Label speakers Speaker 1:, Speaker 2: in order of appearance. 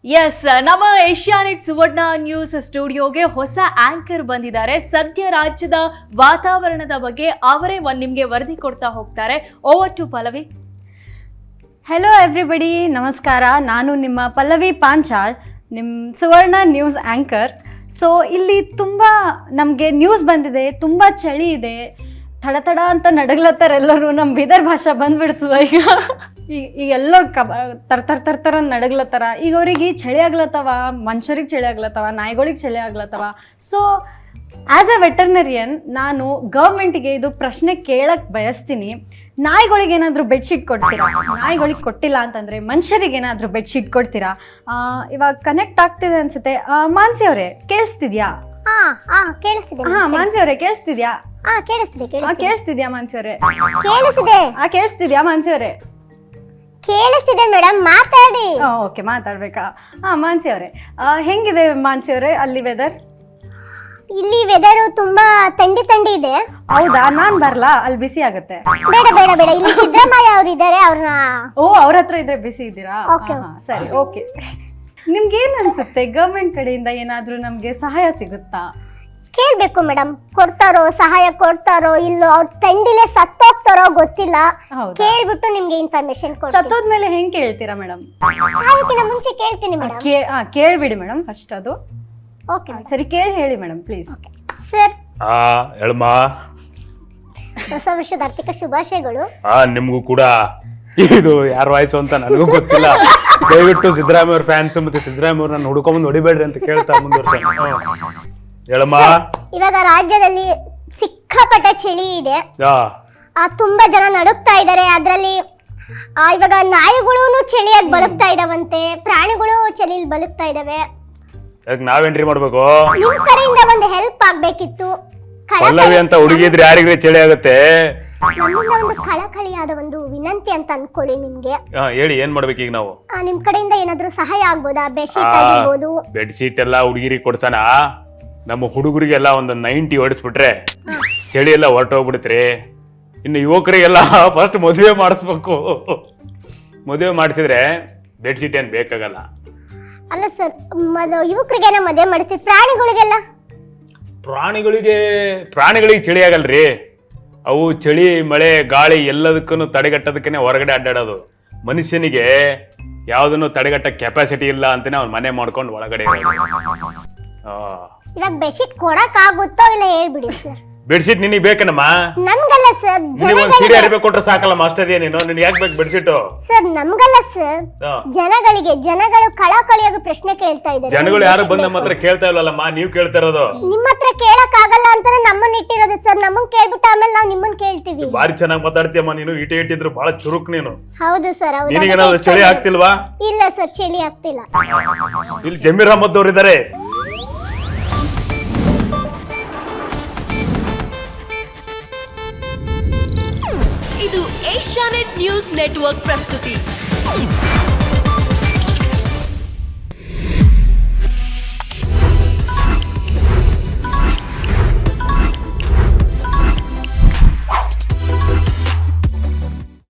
Speaker 1: S, ನಮ್ಮ Asianet ಸುವರ್ಣ news ಸ್ಟುಡಿಯೋಗೆ ಹೊಸ anchor ಬಂದಿದ್ದಾರೆ. ಸದ್ಯ ರಾಜ್ಯದ ವಾತಾವರಣದ ಬಗ್ಗೆ ಅವರೇ ನಿಮಗೆ ವರದಿ ಕೊಡ್ತಾ ಹೋಗ್ತಾರೆ. Over to Pallavi.
Speaker 2: Hello everybody, ನಮಸ್ಕಾರ. ನಾನು ನಿಮ್ಮ ಪಲ್ಲವಿ ಪಾಂಚಾಳ್, ನಿಮ್ಮ ಸುವರ್ಣ ನ್ಯೂಸ್ ಆ್ಯಂಕರ್. ಸೊ ಇಲ್ಲಿ ತುಂಬ ನಮಗೆ ನ್ಯೂಸ್ ಬಂದಿದೆ, ತುಂಬ ಚಳಿ ಇದೆ, ತಡ ಅಂತ ನಡಗ್ಲತ್ತಾರ ಎಲ್ಲರೂ. ನಮ್ಮ ಬೀದರ್ ಭಾಷೆ ಬಂದ್ಬಿಡ್ತದ ಈಗ ಎಲ್ಲರೂ ತರ್ ನಡಗ್ಲತ್ತಾರ. ಈಗ ಅವ್ರಿಗೆ ಚಳಿ ಆಗ್ಲತ್ತವ, ಮನುಷ್ಯರಿಗೆ ಚಳಿ ಆಗ್ಲತ್ತವ, ನಾಯಿಗಳಿಗೆ ಚಳಿ ಆಗ್ಲತ್ತವ. ಸೊ ಆ್ಯಸ್ ಎ ವೆಟರ್ನರಿಯನ್ ನಾನು ಗೌರ್ಮೆಂಟಿಗೆ ಇದು ಪ್ರಶ್ನೆ ಕೇಳಕ್ಕೆ ಬಯಸ್ತೀನಿ. ನಾಯಿಗಳಿಗೆ ಏನಾದರೂ ಬೆಡ್ಶೀಟ್ ಕೊಡ್ತೀರಾ? ನಾಯಿಗಳಿಗೆ ಕೊಟ್ಟಿಲ್ಲ ಅಂತಂದರೆ ಮನುಷ್ಯರಿಗೆ ಏನಾದರೂ ಬೆಡ್ಶೀಟ್ ಕೊಡ್ತೀರಾ? ಇವಾಗ ಕನೆಕ್ಟ್ ಆಗ್ತಿದೆ ಅನ್ಸುತ್ತೆ. ಮಾನ್ಸಿ ಅವರೇ ಕೇಳಿಸ್ತಿದ್ಯಾ? ಮಾನ್ಸಿ ಅವರೇ ಕೇಳಿಸ್ತಿದ್ಯಾ? ಕೇಳಿಸ್ತಿದ್ಯಾ ಮಾನ್ಸಿ ಅವರೇ? ಕೇಳಿಸ್ತಿದ್ಯಾ ಮಾನ್ಸಿ ಅವರೇ?
Speaker 3: ಕೇಳಿಸ್ತಿದೆ ಮೇಡಮ್, ಮಾತಾಡಿ.
Speaker 2: ಓಕೆ, ಮಾತಾಡ್ಬೇಕಾ? ಮಾನ್ಸಿ ಅವರೇ, ಹೆಂಗಿದೆ ಮಾನ್ಸಿ ಅವರೇ ಅಲ್ಲಿ ವೆದರ್?
Speaker 3: ಇಲ್ಲಿ ವೆದರ್ ತುಂಬಾ ಥಂಡಿ ಇದೆ.
Speaker 2: ಹೌದಾ? ನಾನ್ ಬರ್ಲಾ? ಅಲ್ಲಿ ಬಿಸಿ ಆಗುತ್ತೆ.
Speaker 3: ಬೇಡ ಬೇಡ ಬೇಡ, ಇಲ್ಲಿ ಸಿದ್ದರಾಮಯ್ಯ ಅವ್ರು ಇದ್ದಾರೆ, ಅವ್ರನ್ನ.
Speaker 2: ಅವ್ರ ಹತ್ರ ಇದ್ರೆ ಬಿಸಿ ಇದ್ದೀರಾ? ಸರಿ, ಓಕೆ. ನಿಮ್ಗೆ ಏನ್ ಅನ್ಸುತ್ತೆ, ಗವರ್ಮೆಂಟ್ ಕಡೆಯಿಂದ ಏನಾದ್ರೂ ನಮ್ಗೆ ಸಹಾಯ ಸಿಗುತ್ತಾ?
Speaker 3: ಕೇಳ್ಬೇಕು ಮೇಡಮ್, ಕೊಡ್ತಾರೋ, ಸಹಾಯ ಕೊಡ್ತಾರೋ ಇಲ್ಲೋ, ಅವ್ರ ಥಂಡಿಲೆ ಸತ್ತೋಗ್ತಾರೋ ಗೊತ್ತಿಲ್ಲ. ಕೇಳ್ಬಿಟ್ಟು ನಿಮ್ಗೆ ಇನ್ಫಾರ್ಮೇಶನ್ ಕೊಡ್ತೀನಿ.
Speaker 2: ಸತ್ತೋದ್ಮೇಲೆ ಹೆಂಗ್ ಕೇಳ್ತೀರಾ ಮೇಡಮ್?
Speaker 3: ಸಾಯೋಕಿನ ಮುಂಚೆ ಕೇಳ್ತೀನಿ ಮೇಡಮ್.
Speaker 2: ಕೇಳ್ಬಿಡಿ ಮೇಡಮ್ ಫಸ್ಟ್ ಅದು.
Speaker 3: ಓಕೆ
Speaker 2: ಸರಿ, ಕೇಳಿ ಹೇಳಿ ಮೇಡಮ್ ಪ್ಲೀಸ್.
Speaker 3: ಸರ್,
Speaker 4: ಹೇಳಮ್ಮ.
Speaker 3: ಹೊಸ ವರ್ಷದ ಆರ್ಥಿಕ ಶುಭಾಶಯಗಳು.
Speaker 4: ನಿಮ್ಗೂ ಕೂಡ. ಇದು ಯಾರ ವಾಯ್ಸು ಅಂತ ನನಗೂ ಗೊತ್ತಿಲ್ಲ. ದಯವಿಟ್ಟು ಸಿದ್ದರಾಮಯ್ಯ ಅವ್ರ ಫ್ಯಾನ್ಸ್ ಮತ್ತೆ ಸಿದ್ದರಾಮಯ್ಯ ಅವ್ರನ್ನ ಹುಡ್ಕೊಂಬಂದು ಹೊಡಿಬೇಡ್ರಿ ಅಂತ ಕೇಳ್ತಾ ಮುಂದುವರ್ಸ. ಹೇಳಮ್ಮ.
Speaker 3: ಇವಾಗ ರಾಜ್ಯದಲ್ಲಿ ಸಿಕ್ಕಾಪಟ್ಟೆ ಚಳಿ ಇದೆ, ತುಂಬಾ ಜನ ನಡುಗ್ತಾ ಇದ್ದಾರೆ. ಅದ್ರಲ್ಲಿ ಇವಾಗ ನಾಯಿಗಳು ಚಳಿಯಾಗಿ ಬದುಕ್ತಾ ಇದಾವಂತೆ, ಪ್ರಾಣಿಗಳು ಚಳಿಯಲ್ಲಿ ಬದುಕ್ತಾ ಇದಾವೆ.
Speaker 4: ನಾವೇನ್ರಿ ಮಾಡ್ಬೇಕು?
Speaker 3: ನಿಮ್ ಕಡೆಯಿಂದ ಒಂದು ಹೆಲ್ಪ್ ಆಗ್ಬೇಕಿತ್ತು.
Speaker 4: ಪಲ್ಲವಿ ಅಂತ ಹುಡುಗಿದ್ರೆ ಯಾರಿಗ್ರಿ ಚಳಿ ಆಗುತ್ತೆ?
Speaker 3: ನಮ್ಮಿಂದ ಒಂದು ಕಳಕಳಿಯಾದ ಒಂದು ವಿನಂತಿ ಅಂತ ಅನ್ಕೊಳ್ಳಿ ನಿಮ್ಗೆ.
Speaker 4: ಹೇಳಿ, ಏನ್ ಮಾಡ್ಬೇಕು ಈಗ ನಾವು?
Speaker 3: ನಿಮ್ ಕಡೆಯಿಂದ ಏನಾದ್ರೂ ಸಹಾಯ ಆಗ್ಬೋದಾ? ಬೆಡ್ಶೀಟ್ ಆಗಿರ್ಬೋದು.
Speaker 4: ಬೆಡ್ಶೀಟ್ ಎಲ್ಲ ಹುಡುಗಿರಿಗೆ ಕೊಡ್ತಾನ. ನಮ್ಮ ಹುಡುಗರಿಗೆಲ್ಲ ಒಂದು 90 ಹೊಡಿಸ್ಬಿಟ್ರೆ ಚಳಿ ಎಲ್ಲ ಹೊರಟೋಗ್ಬಿಡ್ತ್ರಿ. ಇನ್ನು ಯುವಕರಿಗೆಲ್ಲ ಫಸ್ಟ್ ಮದುವೆ ಮಾಡಿಸ್ಬೇಕು. ಮದುವೆ ಮಾಡಿಸಿದ್ರೆ ಬೆಡ್ಶೀಟ್ ಏನ್ ಬೇಕಾಗಲ್ಲ.
Speaker 3: ಅಲ್ಲ ಸರ್, ಯುವಕರಿಗೆಲ್ಲ ಮದುವೆ ಮಾಡಿಸ್ತೀವಿ,
Speaker 4: ಪ್ರಾಣಿಗಳಿಗೆ ಚಳಿ ಆಗಲ್ರಿ. ಅವು ಚಳಿ, ಮಳೆ, ಗಾಳಿ ಎಲ್ಲದಕ್ಕೂ ತಡೆಗಟ್ಟೋದಕ್ಕೆ ಹೊರಗಡೆ ಅಡ್ಡಾಡೋದು. ಮನುಷ್ಯನಿಗೆ ಯಾವ್ದನ್ನು ತಡೆಗಟ್ಟ ಕೆಪಾಸಿಟಿ ಇಲ್ಲ ಅಂತಾನೆ ಅವ್ನ ಮನೆ ಮಾಡ್ಕೊಂಡು ಒಳಗಡೆ
Speaker 3: ಇವಾಗ ಬೆಡ್ಶೀಟ್ ಕೊಡಕ್ ಆಗುತ್ತೋ ಇಲ್ಲ ಹೇಳ್ಬಿಡಿ ಸರ್.
Speaker 4: ಬೆಡ್ಶೀಟ್ ನಿನಗೆ ಬೇಕನಮ್ಮ?
Speaker 3: ನಮ್ಗಲ್ಲ ಸರ್,
Speaker 4: ಸೀರೆ ಅರಿಬೇಕು ಕೊಟ್ರೆ ಸಾಕಲ್ಲಮ್ಮ, ಅಷ್ಟೇ. ನೀನು ನಿನ್ಗೆ ಯಾಕೆ ಬೇಕು ಬೆಡ್ಶೀಟ್?
Speaker 3: ಸರ್ ನಮ್ಗಲ್ಲ ಸರ್, ಜನಗಳು ಕಳಕಳಿಯಾಗಿ ಪ್ರಶ್ನೆ ಕೇಳ್ತಾ ಇದ್ದಾರೆ.
Speaker 4: ಜನಗಳು ಯಾರು ಬಂದು ನಮ್ಮ ಹತ್ರ ಕೇಳ್ತಾ ಇಲ್ಲಲ್ಲಮ್ಮ, ನೀವು ಕೇಳ್ತಾ ಇರೋದು.
Speaker 3: ನಿಮ್ಮ ಹತ್ರ ಕೇಳಕ್ ಆಗಲ್ಲ ಅಂತಾನೆ ನಮ್ಮನ್ನ ಇಟ್ಟಿರೋದು ಸರ್. ನಮ್ಮನ್ನ ಕೇಳ್ಬಿಟ್ಟು ಆಮೇಲೆ ನಾವು ನಿಮ್ಮನ್ನ ಕೇಳ್ತೀವಿ.
Speaker 4: ಬಾರಿ ಚೆನ್ನಾಗಿ ಮಾತಾಡ್ತೀಯಮ್ಮ ನೀನು. ಇಟ್ಟಿದ್ರು ಬಹಳ ಚುರುಕ್ ನೀನು.
Speaker 3: ಹೌದು ಸರ್.
Speaker 4: ನಿನಗೇನಾದ್ರು ಚಳಿ ಆಗ್ತಿಲ್ವಾ?
Speaker 3: ಇಲ್ಲ ಸರ್, ಚಳಿ ಆಗ್ತಿಲ್ಲ.
Speaker 4: ಇಲ್ಲಿ ಜಮೀರ್ ಅಹಮದ್ ಅವ್ರು ಇದ್ದಾರೆ.
Speaker 5: ಇದು ಏಷ್ಯಾನೆಟ್ ನ್ಯೂಸ್ ನೆಟ್ವರ್ಕ್ ಪ್ರಸ್ತುತಿ.